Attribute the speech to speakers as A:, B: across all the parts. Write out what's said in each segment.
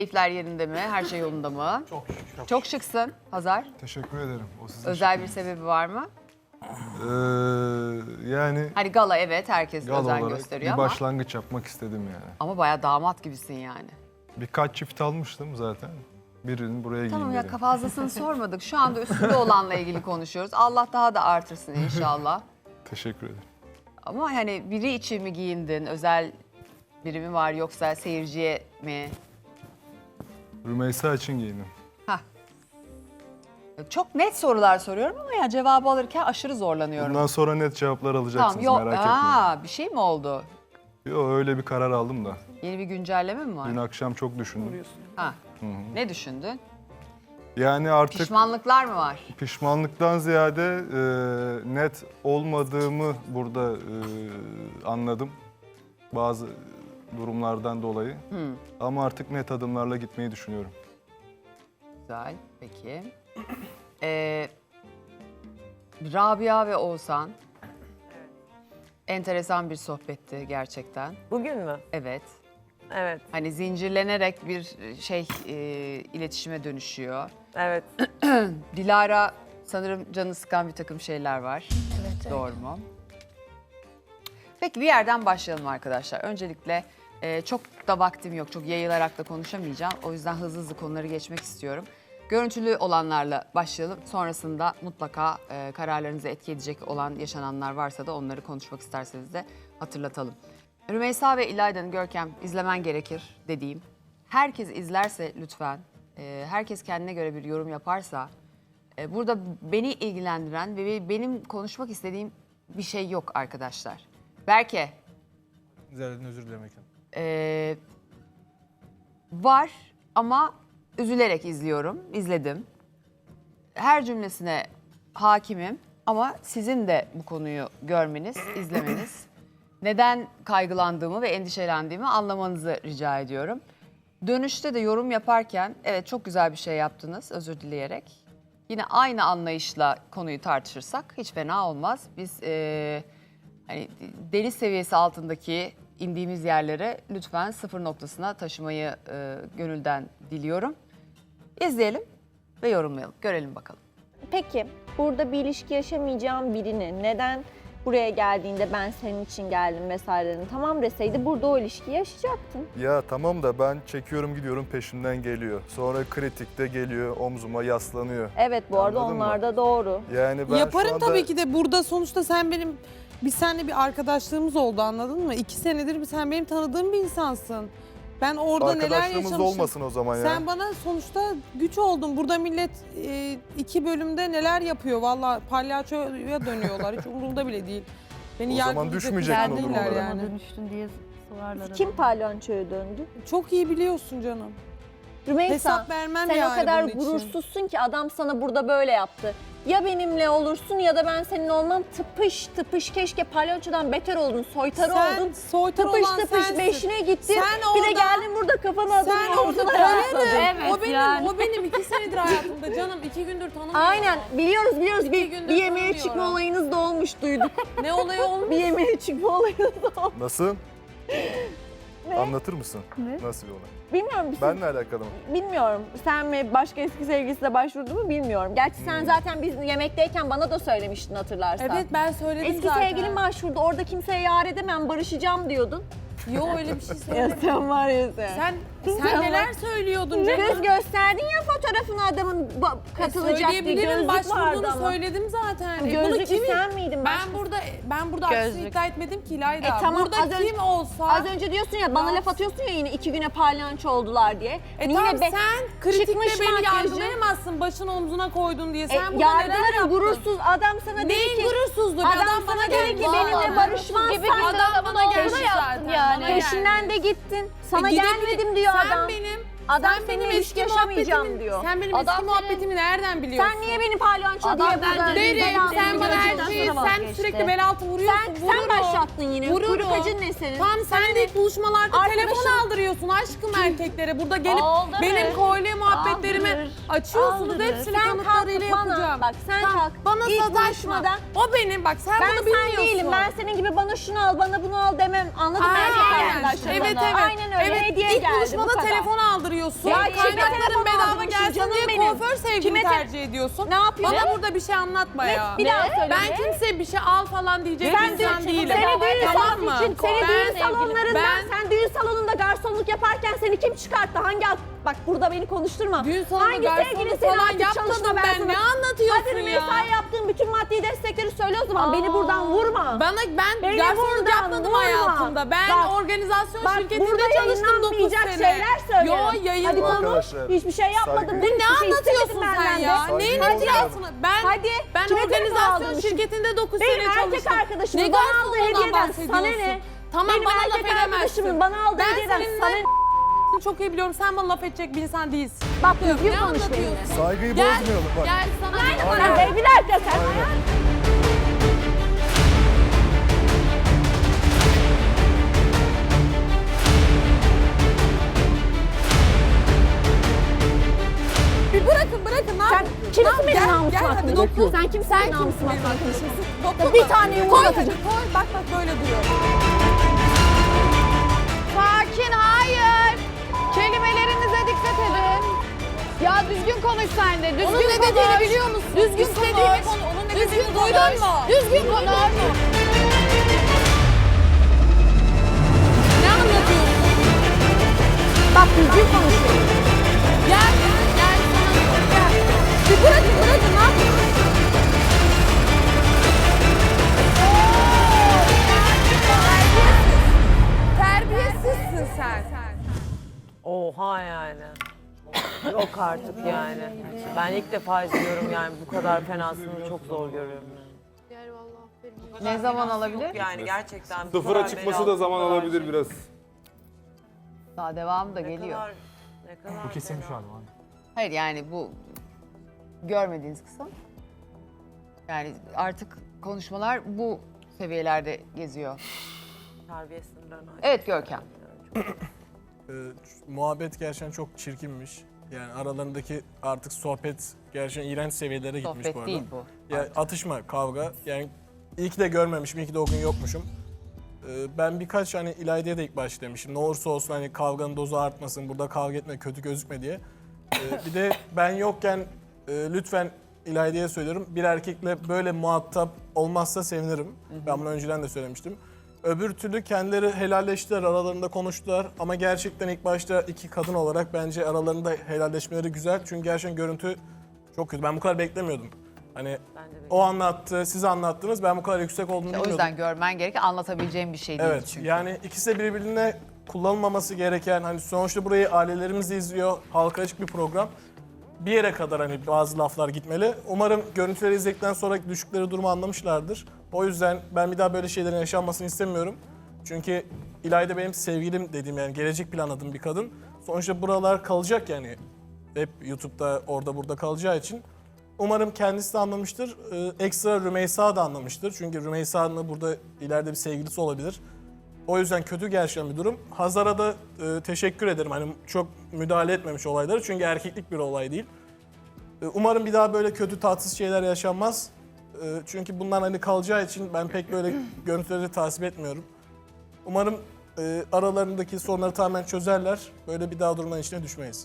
A: Keyifler yerinde mi? Her şey yolunda mı?
B: Çok şık.
A: Çok şıksın Hazar.
B: Teşekkür ederim. O sizin
A: Özel bir sebebi var mı?
B: yani
A: Hani gala evet herkes
B: gal
A: özen
B: olarak
A: gösteriyor
B: bir
A: ama.
B: başlangıç yapmak istedim yani.
A: Ama bayağı damat gibisin yani.
B: Birkaç çift almıştım zaten. Birinin buraya
A: Tamam
B: giyeyim
A: ya
B: dedim.
A: fazlasını sormadık. Şu anda üstünde olanla ilgili konuşuyoruz. Allah daha da artırsın inşallah.
B: Teşekkür ederim.
A: Ama hani biri için mi giyindin? Özel biri mi var yoksa seyirciye mi?
B: Rümeysa için giyindim.
A: Hah. Çok net sorular soruyorum ama ya cevabı alırken aşırı zorlanıyorum.
B: Bundan sonra net cevaplar alacaksınız,
A: Tamam yok.
B: merak etmeyin.
A: Bir şey mi oldu?
B: Yok, öyle bir karar aldım da.
A: Yeni bir güncelleme mi var?
B: Dün akşam çok düşündüm.
A: Ha. Ne düşündün?
B: Yani artık
A: Pişmanlıklar mı var?
B: pişmanlıktan ziyade net olmadığımı burada anladım. Bazı durumlardan dolayı. Ama artık net adımlarla gitmeyi düşünüyorum.
A: Güzel. Peki. Rabia ve Oğuzhan. Enteresan bir sohbetti gerçekten.
C: Bugün mü?
A: Evet.
C: Evet,
A: Hani zincirlenerek bir iletişime dönüşüyor.
C: evet.
A: Dilara sanırım canı sıkan bir takım şeyler var.
D: Evet.
A: Doğru mu? Peki bir yerden başlayalım arkadaşlar. Öncelikle çok da vaktim yok. Çok yayılarak da konuşamayacağım. O yüzden hızlı hızlı konuları geçmek istiyorum. Görüntülü olanlarla başlayalım. Sonrasında mutlaka kararlarınızı etki edecek olan yaşananlar varsa da onları konuşmak isterseniz de hatırlatalım. Rümeysa ve İlayda'nın Görkem izlemen gerekir dediğim. Herkes izlerse lütfen, herkes kendine göre bir yorum yaparsa burada beni ilgilendiren ve benim konuşmak istediğim bir şey yok arkadaşlar. Berke,
E: Zerrin özür dilemek.
A: var ama üzülerek izledim. Her cümlesine hakimim ama sizin de bu konuyu görmeniz, izlemeniz, neden kaygılandığımı ve endişelendiğimi anlamanızı rica ediyorum. Dönüşte de yorum yaparken evet çok güzel bir şey yaptınız özür dileyerek. Yine aynı anlayışla konuyu tartışırsak hiç fena olmaz. Biz hani deniz seviyesi altındaki indiğimiz yerlere lütfen sıfır noktasına taşımayı gönülden diliyorum. İzleyelim ve yorumlayalım. Görelim bakalım.
D: Peki burada bir ilişki yaşamayacağım birini neden buraya geldiğinde ben senin için geldim vesaire tamam deseydi burada o ilişkiyi yaşayacaktın.
B: Ya tamam da ben çekiyorum gidiyorum peşimden geliyor. Sonra kritikte geliyor omzuma yaslanıyor.
D: Evet bu arada
B: Anladın mı?
D: onlar da doğru.
B: Yani ben şu
F: Yaparım
B: anda...
F: tabii ki de burada sonuçta biz seninle bir arkadaşlığımız oldu anladın mı? 2 senedir sen benim tanıdığım bir insansın. Ben orada neler
B: Arkadaşlığımız
F: yaşamışım.
B: olmasın o zaman ya.
F: Sen bana sonuçta güç oldun. Burada millet 2 bölümde neler yapıyor valla palyaçoya dönüyorlar. Hiç umurumda bile değil. Beni
B: O zaman
F: yargılayacak
B: düşmeyecektin
F: güzel
B: o
F: değiller
B: durumlara.
F: yani.
G: Dönüştün diye sorarlar.
D: Kim palyaçoya döndü?
F: Çok iyi biliyorsun canım.
D: Rümeysa
F: Hesap vermem
D: sen
F: yani
D: o kadar
F: bunun için.
D: gurursuzsun ki adam sana burada böyle yaptı. Ya benimle olursun ya da ben seninle olmam tıpış tıpış keşke palyaçodan beter oldun, soytarı
F: Sen
D: oldun.
F: soytarı
D: Tıpış
F: olan
D: tıpış
F: sensin.
D: beşine gittin.
F: Sen
D: bir de
F: orada-
D: geldin burada kafana
F: Sen
D: adını
F: orada
D: omzuna yasladın.
G: Evet,
F: o benim,
G: yani.
F: o benim 2 senedir hayatımda canım. 2 gündür tanımıyorum.
D: Aynen biliyoruz
F: İki gündür
D: bir yemeğe
F: tanımıyorum.
D: çıkma olayınız da olmuş duyduk.
F: Ne olayı olmuş?
D: Bir yemeğe çıkma olayınız da olmuş.
B: Nasıl? Anlatır mısın? Nasıl bir olay?
D: Bilmiyorum.
B: Benle alakalı mı?
D: Bilmiyorum. Sen mi başka eski sevgilisine başvurdu mu bilmiyorum. Gerçi sen zaten biz yemekteyken bana da söylemiştin hatırlarsan.
F: Evet ben söyledim
D: Eski
F: zaten.
D: sevgilin başvurdu. Orada kimseye yar edemem, barışacağım diyordun.
F: Yok öyle bir şey
D: Ya
F: söylemedim.
D: sen var ya sen.
F: Sen neler söylüyordun canım?
D: Göz gösterdin ya fotoğrafını adamın katılacak diye.
F: Söyleyebilirim,
D: Gözlük vardı
F: başvurduğunu
D: ama.
F: söyledim zaten. Bunu
D: Gözlük
F: kimin?
D: sen miydin?
F: Ben burada aksini iddia etmedim ki İlayda.
D: tamam,
F: burada
D: az önce-
F: kim olsa...
D: Az önce diyorsun ya bana laf atıyorsun ya yine 2 güne palyanço oldular diye. Hani
F: tamam
D: yine
F: sen kritikte
D: çıkmış
F: beni
D: makyajı.
F: yargılayamazsın başını omzuna koydun diye. Sen burada neler
D: yargılarım
F: yaptın?
D: gurursuz adam sana dedi
F: Neyin
D: ki.
F: gurursuzluğu?
D: Adam sana dedi ki benimle barışmazsan.
F: Adam bana geldi
G: yaptın
F: zaten.
G: yani.
F: bana geldi.
D: Peşinden de gittin. Sana
F: Gidebilir-
D: gelmedim diyor
F: sen
D: adam. Adam
F: sen
D: seninle
F: benim
D: ilişki
F: eski
D: yaşamayacağım
F: muhabbetimi-
D: diyor.
F: Sen benim
G: Adam
F: eski muhabbetimi nereden biliyorsun?
D: Sen niye beni palyaço diye burada
F: Derim, sen bana her
D: Sen
F: şeyi, sen sürekli bel altı vuruyorsun.
D: sen başlattın yine.
F: Vururum.
D: Kuyruk acın ne senin?
F: Tamam sen de ilk buluşmalarda
D: Arkadaşım-
F: telefon aldırıyorsun aşkım erkeklere. Burada gelip
G: Aldırır.
F: benim kolye muhabbetlerimi
G: Aldırır.
F: açıyorsunuz.
G: Aldırır.
F: Hepsini
D: Sen
F: kanıtlarıyla
D: kalk bana,
F: yapacağım.
D: bak sen
F: Tamam,
D: kalk.
F: Bana
D: İlk
F: sataşma.
D: buluşmada-
F: O benim bak sen
D: Ben
F: bunu
D: sen
F: bilmiyorsun.
D: değilim. Ben senin gibi bana şunu al, bana bunu al demem. Anladın mı?
F: Aynen.
D: Erkek arkadaşlarım
F: Evet
D: bana.
F: evet.
D: Aynen öyle.
F: Evet,
D: Hediye
F: İlk
D: geldi. bu
F: buluşmada
D: kadar.
F: telefon aldırıyorsun. alıyorsun.
D: Ya kime
F: Kaynakların
D: telefon
F: bedava
D: aldırmışsın
F: gelsin
D: canım
F: diye
D: benim?
F: kuaför sevgili
D: Kime
F: tercih ediyorsun.
D: Ne yapıyorsun?
F: Bana burada bir şey anlatma ya.
D: Bir daha söyle.
F: Ben kimseye bir şey al falan diyecek
D: Sen
F: bir insan değilim.
D: Seni düğün
F: Tamam
D: salonu
F: mı?
D: için, seni düğün salonlarında,
F: Ben-
D: sen düğün salonunda garsonluk yaparken seni kim çıkarttı? Bak burada beni konuşturma.
F: Düğün salonunda
D: Hangi
F: garsonluk
D: sevgilin seni
F: falan
D: artık
F: yapmadım
D: çalışma
F: ben.
D: sana-
F: Ne anlatıyorsun
D: Hadi
F: ya?
D: mesai yaptığın bütün maddi destekleri söyle o zaman. Beni buradan vurma.
F: Ben
D: Beni
F: garsonluk
D: buradan
F: yapmadım
D: vurma.
F: hayatımda. Ben
D: Bak,
F: organizasyon
D: Bak
F: şirketinde
D: burada
F: çalıştım 9
D: yayınlanmayacak
F: sene.
D: şeyler söylerim.
F: Yo
D: Hadi
F: yayınlan.
D: konuş.
B: Arkadaşlar,
D: Hiçbir şey yapmadım.
B: saygı-
F: Bu
D: Hiçbir
F: ne
D: şey
F: anlatıyorsun
D: istemedin
F: sen
D: benden de.
F: ya?
B: Saygı
F: Neyin
B: bozmayalım.
F: hatırasını?
D: Hadi.
F: Ben
D: Kime telefon
F: organizasyon
D: aldın?
F: şirketinde 9
D: Benim
F: sene
D: erkek
F: çalıştım.
D: arkadaşımın
F: Ne
D: bana aldığı
F: garsonluğundan
D: hediyeden sana
F: bahsediyorsun?
D: ne?
F: Tamam
D: Benim
F: bana laf
D: erkek
F: edemezsin.
D: arkadaşımın bana aldığı
F: Ben
D: hediyeden
F: seninle
D: sana ne?
F: çok iyi biliyorum. Sen bana laf edecek bir insan değilsin.
D: Bak düzgün
F: Ne
D: konuş benimle.
F: anlatıyorsun?
B: Saygıyı
F: Gel,
B: bozmayalım bak.
F: gel sana.
D: Sen bir dakika sen.
F: Bir bırakın ne
D: Sen
F: yapıyorsun?
D: kimsin benim
F: Gel,
D: namusuma
F: gel, hadi
D: hakkında?
F: dokun.
D: Sen kimsin benim namusuma hakkında konuşuyorsun?
F: Dokunma.
D: Bir tane yumruk
F: Koy
D: atacağım.
F: hadi, koy. Bak böyle duruyor.
A: Sakin, hayır. Kelimelerinize dikkat edin. Ya düzgün konuş sen de, düzgün
F: Onun ne
A: konuş.
F: dediğini biliyor musun?
A: Düzgün
F: İstediğimi
A: konuş.
F: Onun ne
A: Düzgün
F: dediğini
A: konuş.
F: duydun mu?
A: Düzgün konuş.
F: Ne anlatıyorsun?
D: Bak düzgün konuş benimle.
F: Gel sana gel. Bir bırakın ne yapıyorsun? Terbiyesizsin sen.
C: Oha yani. Yok artık yani. Ben ilk defa izliyorum yani bu kadar fenasını çok zor görüyorum.
A: Ne zaman alabilir?
C: Yani gerçekten bu
H: Sıfıra
C: kadar
H: çıkması
C: belalı,
H: da zaman
C: bu kadar
H: alabilir
C: şey-
H: biraz.
A: Daha devamı da
C: Ne
A: geliyor.
C: kadar, ne kadar
E: Bu kesin şu
C: belalı.
E: an.
A: Hayır yani bu görmediğiniz kısım. Yani artık konuşmalar bu seviyelerde geziyor.
C: Terbiye sınırlarını aşmış.
A: Evet Görkem.
E: Muhabbet gerçekten çok çirkinmiş. Yani aralarındaki artık sohbet gerçekten iğrenç seviyelere gitmiş bu
A: Sohbet
E: arada.
A: değil bu.
E: Ya atışma, kavga. Yani iyi ki de görmemişim, iyi ki de o gün yokmuşum. Ben birkaç hani İlayda'ya da ilk başta demişim. Ne olursa olsun hani kavganın dozu artmasın, burada kavga etme, kötü gözükme diye. Bir de ben yokken lütfen İlayda'ya söylüyorum. Bir erkekle böyle muhatap olmazsa sevinirim. Ben bunu önceden de söylemiştim. Öbür türlü kendileri helalleştiler, aralarında konuştular. Ama gerçekten ilk başta iki kadın olarak bence aralarında helalleşmeleri güzel. Çünkü gerçekten görüntü çok kötü. Ben bu kadar beklemiyordum. Hani o anlattı, siz anlattınız. Ben bu kadar yüksek olduğunu
A: O
E: bilmiyordum.
A: yüzden görmen gereken anlatabileceğim bir şey değil
E: Evet,
A: çünkü.
E: yani ikisi de birbirine kullanılmaması gereken, hani sonuçta burayı ailelerimiz de izliyor, halka açık bir program. Bir yere kadar hani bazı laflar gitmeli. Umarım görüntüleri izledikten sonra düşükleri durumu anlamışlardır. O yüzden ben bir daha böyle şeylerin yaşanmasını istemiyorum. Çünkü İlayda benim sevgilim dediğim yani gelecek planladığım bir kadın. Sonuçta buralar kalacak yani. Hep YouTube'da orada burada kalacağı için. Umarım kendisi de anlamıştır. Ekstra Rümeysa da anlamıştır. Çünkü Rümeysa'nın burada ileride bir sevgilisi olabilir. O yüzden kötü gerçekten bir durum. Hazar'a da teşekkür ederim. Hani çok müdahale etmemiş olayları. Çünkü erkeklik bir olay değil. Umarım bir daha böyle kötü tatsız şeyler yaşanmaz. Çünkü bunlar hani kalacağı için ben pek böyle görüntüleri tasvip etmiyorum. Umarım aralarındaki sorunları tamamen çözerler. Böyle bir daha durumların içine düşmeyiz.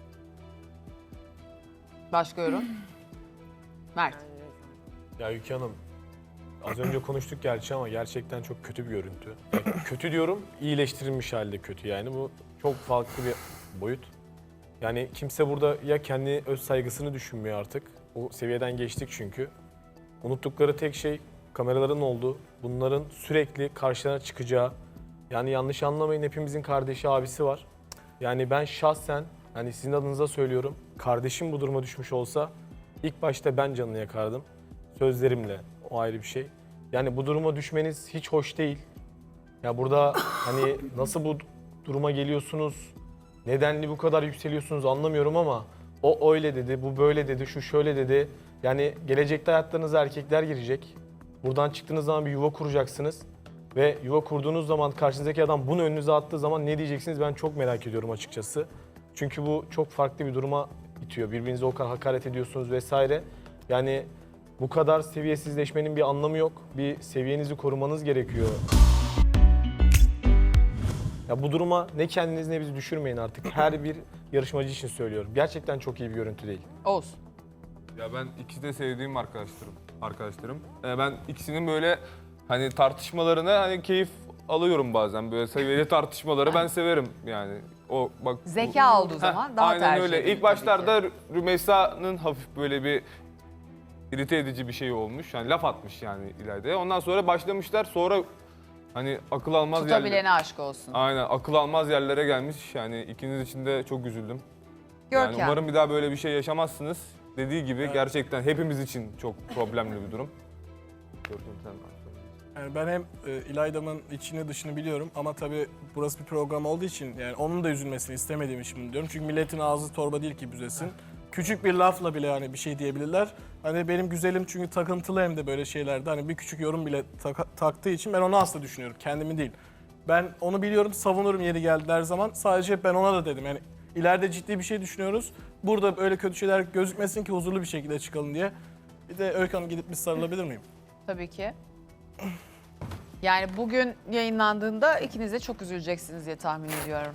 A: Başka yorum? Mert.
H: Ya Yüke Hanım, az önce konuştuk gerçi ama gerçekten çok kötü bir görüntü. Yani kötü diyorum, iyileştirilmiş halde kötü yani. Bu çok farklı bir boyut. Yani kimse burada ya kendi öz saygısını düşünmüyor artık. O seviyeden geçtik çünkü. Unuttukları tek şey kameraların olduğu, bunların sürekli karşılarına çıkacağı. Yani yanlış anlamayın, hepimizin kardeşi, abisi var. Yani ben şahsen, hani sizin adınıza söylüyorum, kardeşim bu duruma düşmüş olsa ilk başta ben canını yakardım. Sözlerimle, o ayrı bir şey. Yani bu duruma düşmeniz hiç hoş değil. Ya burada hani nasıl bu duruma geliyorsunuz, nedenli bu kadar yükseliyorsunuz anlamıyorum ama o öyle dedi, bu böyle dedi, şu şöyle dedi. Yani gelecekte hayatlarınıza erkekler girecek. Buradan çıktığınız zaman bir yuva kuracaksınız. Ve yuva kurduğunuz zaman karşınızdaki adam bunu önünüze attığı zaman ne diyeceksiniz ben çok merak ediyorum açıkçası. Çünkü bu çok farklı bir duruma itiyor. Birbirinize o kadar hakaret ediyorsunuz vesaire. Yani bu kadar seviyesizleşmenin bir anlamı yok. Bir seviyenizi korumanız gerekiyor. Ya bu duruma ne kendiniz ne bizi düşürmeyin artık. Her bir yarışmacı için söylüyorum. Gerçekten çok iyi bir görüntü değil.
A: Oğuz.
I: Ya ben ikisi de sevdiğim arkadaşlarım. Ben ikisinin böyle hani tartışmalarına hani keyif alıyorum bazen. Böyle seviyeli tartışmaları ben severim yani. O bak
A: Zeka olduğu zaman daha
I: aynen
A: tercih
I: öyle.
A: edilir
I: İlk
A: tabii
I: başlarda
A: ki.
I: Rümeysa'nın hafif böyle bir irite edici bir şey olmuş. Yani laf atmış yani İlayda'ya. Ondan sonra başlamışlar. Sonra hani akıl almaz
A: Tutabilene aşk olsun.
I: Aynen akıl almaz yerlere gelmiş. Yani ikiniz için de çok üzüldüm. Yani
A: Görkem.
I: umarım bir daha böyle bir şey yaşamazsınız. Dediği gibi gerçekten hepimiz için çok problemli bir durum. Görkem sen
E: Yani ben hem İlayda'nın içini dışını biliyorum ama tabii burası bir program olduğu için yani onun da üzülmesini istemediğim için bunu diyorum. Çünkü milletin ağzı torba değil ki büzesin. Küçük bir lafla bile hani bir şey diyebilirler. Hani benim güzelim çünkü takıntılı hem de böyle şeylerde hani bir küçük yorum bile taktığı için ben onu asla düşünüyorum. Kendimi değil. Ben onu biliyorum, savunurum yeri geldi her zaman. Sadece ben ona da dedim yani ileride ciddi bir şey düşünüyoruz. Burada böyle kötü şeyler gözükmesin ki huzurlu bir şekilde çıkalım diye. Bir de Öykü Hanım gidip bir sarılabilir miyim?
A: Tabii ki. Yani bugün yayınlandığında ikiniz de çok üzüleceksiniz diye tahmin ediyorum.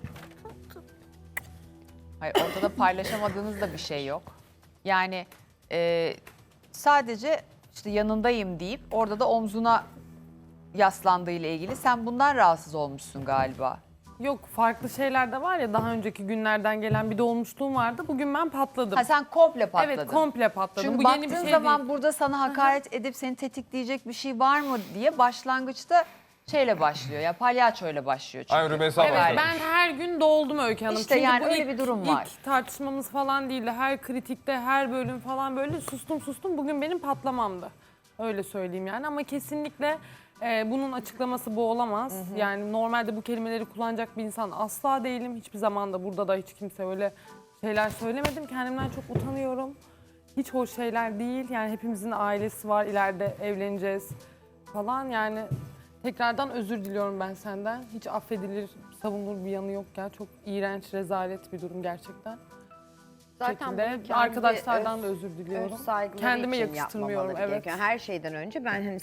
A: Hayır, ortada paylaşamadığınız da bir şey yok. Yani sadece işte yanındayım deyip orada da omzuna yaslandığı ile ilgili sen bundan rahatsız olmuşsun galiba.
F: Yok, farklı şeyler de var ya, daha önceki günlerden gelen bir dolmuşluğum vardı. Bugün ben patladım.
A: Ha sen komple patladın.
F: Evet, komple patladım.
A: Çünkü
F: Bu
A: baktığın
F: yeni bir şey
A: zaman
F: değil.
A: burada sana hakaret edip seni tetikleyecek bir şey var mı diye başlangıçta şeyle başlıyor ya palyaçoyla başlıyor çünkü.
I: Aynen Rümeysa
F: Evet,
I: başladı.
F: ben her gün doldum Öykü Hanım.
A: İşte
F: Çünkü
A: yani
F: bu
A: öyle bir durum var.
F: İlk tartışmamız falan değildi. Her kritikte, her bölüm falan böyle sustum. Bugün benim patlamamdı. Öyle söyleyeyim yani ama kesinlikle bunun açıklaması bu olamaz. Yani normalde bu kelimeleri kullanacak bir insan asla değilim. Hiçbir zaman da burada da hiç kimse öyle şeyler söylemedim. Kendimden çok utanıyorum. Hiç hoş şeyler değil. Yani hepimizin ailesi var. İleride evleneceğiz falan. Yani tekrardan özür diliyorum ben senden. Hiç affedilir, savunulur bir yanı yok ya. Çok iğrenç, rezalet bir durum gerçekten.
J: Zaten
F: Şekilde
J: bunu kendi
F: arkadaşlardan da özür diliyorum.
J: öz saygıları
F: Kendime
J: için
F: yakıştırmıyorum,
J: yapmamaları
F: evet.
J: gerekiyor. Her şeyden önce ben hani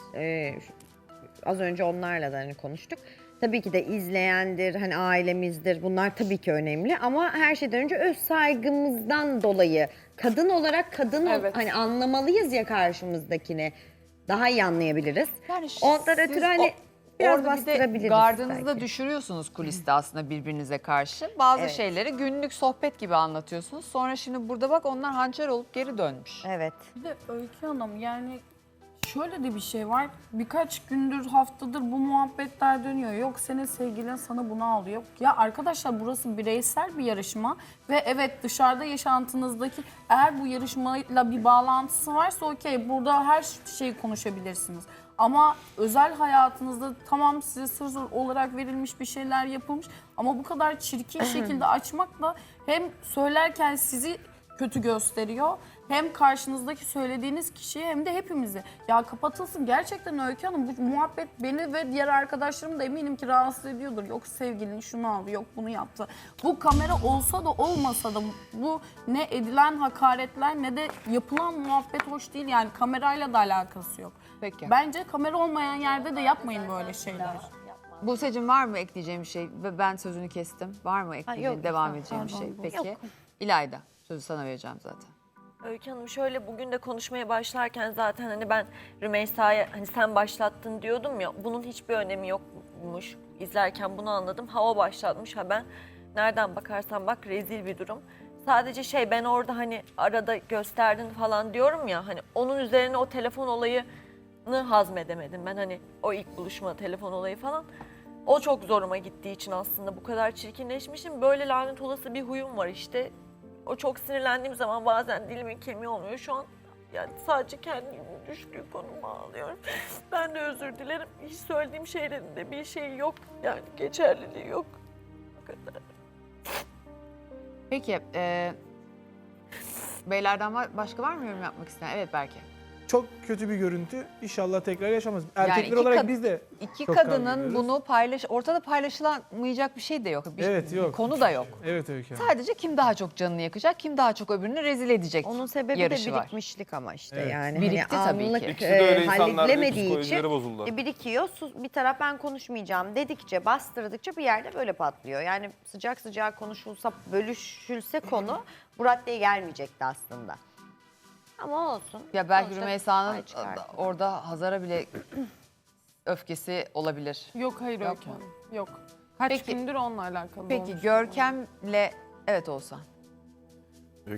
J: az önce onlarla da hani konuştuk. Tabii ki de izleyendir, hani ailemizdir. Bunlar tabii ki önemli ama her şeyden önce öz saygımızdan dolayı kadın olarak
F: Evet.
J: hani anlamalıyız ya karşımızdakini. Daha iyi anlayabiliriz.
A: Yani
J: Ondan
A: siz
J: ötürü hani biraz
A: orada bir de
J: bastırabiliriz
A: gardınızı da
J: belki.
A: düşürüyorsunuz kuliste aslında birbirinize karşı. Bazı
J: Evet.
A: şeyleri günlük sohbet gibi anlatıyorsunuz. Sonra şimdi burada bak onlar hançer olup geri dönmüş.
J: Evet.
G: Bir de Öykü Hanım yani şöyle de bir şey var. Birkaç gündür, haftadır bu muhabbetler dönüyor. Yok senin sevgilin sana bunu alıyor. Ya arkadaşlar burası bireysel bir yarışma. Ve evet dışarıda yaşantınızdaki eğer bu yarışmayla bir bağlantısı varsa okey burada her şeyi konuşabilirsiniz. Ama özel hayatınızda tamam size sır olarak verilmiş bir şeyler yapılmış. Ama bu kadar çirkin şekilde açmakla hem söylerken sizi kötü gösteriyor. Hem karşınızdaki söylediğiniz kişiye hem de hepimizi. Ya kapatılsın gerçekten Öykü Hanım. Bu muhabbet beni ve diğer arkadaşlarımı da eminim ki rahatsız ediyordur. Yok sevgilin şunu aldı, yok bunu yaptı. Bu kamera olsa da olmasa da bu ne edilen hakaretler ne de yapılan muhabbet hoş değil. Yani kamerayla da alakası yok.
A: Peki.
G: Bence kamera olmayan yerde de yapmayın böyle şeyler.
A: Buse'cim var mı ekleyeceğim bir şey? Ve ben sözünü kestim. Var mı ekleyeceğim,
J: yok,
A: devam
J: yok,
A: edeceğim bir şey?
G: pardon,
A: Peki.
J: yok.
A: İlayda, sözü sana vereceğim zaten.
K: Öykü Hanım şöyle bugün de konuşmaya başlarken zaten hani ben Rümeysa'ya hani sen başlattın diyordum ya bunun hiçbir önemi yokmuş. İzlerken bunu anladım. Ha o başlatmış ha ben. Nereden bakarsan bak rezil bir durum. Sadece ben orada hani arada gösterdin falan diyorum ya hani onun üzerine o telefon olayını hazmedemedim. Ben hani o ilk buluşma telefon olayı falan. O çok zoruma gittiği için aslında bu kadar çirkinleşmişim. Böyle lanet olası bir huyum var işte. O çok sinirlendiğim zaman bazen dilimin kemiği olmuyor. Şu an yani sadece kendimin düştüğü konuma ağlıyorum. Ben de özür dilerim. Hiç söylediğim şeylerin de bir şeyi yok. Yani geçerliliği yok. Bu kadar.
A: Peki, beylerden başka var mı yorum yapmak isteyen? Evet Berke.
E: çok kötü bir görüntü. İnşallah tekrar yaşamaz. Erkekler
A: iki
E: olarak
A: kad-
E: biz de
A: İki
E: çok kavga
A: kadının
E: ediyoruz.
A: bunu ortada paylaşılamayacak bir şey de yok.
E: Evet, yok.
A: Bir konu da yok.
E: Evet Öykü Hanım.
A: Sadece kim daha çok canını yakacak, kim daha çok öbürünü rezil edecek.
J: Onun sebebi
A: yarışı
J: de
A: var.
J: birikmişlik ama işte
E: Evet.
J: yani.
A: Birikti
J: hani
A: tabii ki.
J: anlık,
I: İkisi de öyle insanlar değil,
J: halledilemediği
I: psikolojileri
J: için
I: bozuldu.
J: birikiyor. Bir taraf ben konuşmayacağım dedikçe, bastırdıkça bir yerde böyle patlıyor. Yani sıcak sıcak konuşulsa, bölüşülse konu bu raddeye gelmeyecekti aslında. Ama olsun.
A: Ya belki
J: Sonuçta
A: Rümeysa'nın
J: pay çıkardı.
A: orada Hazar'a bile öfkesi olabilir.
F: Yok hayır
A: Yok
F: Öykü
A: mu?
F: Hanım. Yok. Kaç
A: Peki-
F: gündür onunla alakalı
A: Peki
F: olmuş.
A: Görkem'le evet olsa.